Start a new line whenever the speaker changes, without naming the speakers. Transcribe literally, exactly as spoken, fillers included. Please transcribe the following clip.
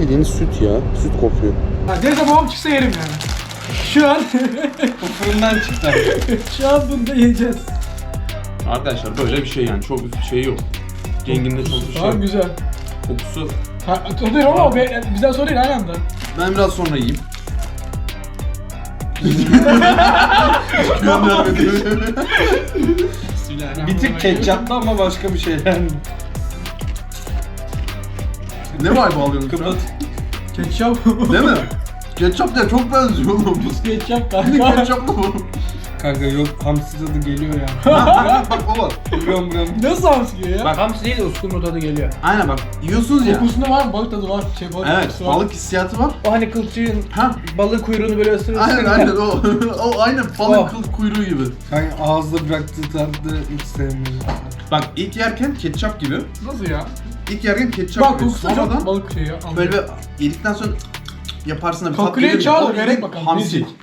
bildiğiniz süt ya. Süt kokuyor.
Ha, neyse babam çıksa yerim yani. Şu an
Bu fırından çıktı.
şu an bunu da yiyeceğiz.
Arkadaşlar böyle bir şey yani. Çok bir şey yok. Renginde çok bir şey
Tamam
yok.
güzel.
Kokusu.
Ha, tadı ama o be- bizden sonra değil aynı anda.
Ben biraz sonra yiyeyim.
Bir tık ketçaplı ama başka bir şeyler.
Ne vibe alıyorsun şu an?
Kıvat.
Ketçap.
Değil mi? Ketçap da çok benziyor oğlum.
Ketçap
Ne
kanka.
ketçaplı bu?
Kanka yok hamsi tadı geliyor ya.
Bak o var.
Biliyorum biliyorum.
Nasıl hamsi ya?
Bak.
Hamsi değil de uskumru tadı geliyor.
Aynen bak. Yiyorsunuz ya.
Kokusunda var mı? Balık tadı var. Şey, balık
Evet,
kokusu var.
balık hissiyatı var.
O hani kılçığın
Ha,
balığın kuyruğunu böyle ısırırsın.
aynen aynen o. o aynen balık
Oh.
kıl kuyruğu gibi.
Kanka ağızda bıraktığı tadı hiç sevmiyorum.
Bak ilk yerken ketçap gibi.
Nasıl ya?
İlk yerken ketçap
Bak
gibi.
kokusu da
Sonradan
çok balık şeyi ya.
böyle bir yedikten sonra yaparsın da bir tat
Kalküleye
gelir ya.
çağır da
O
verek
bildiğin
bakalım.
hamsi.
Hamsi.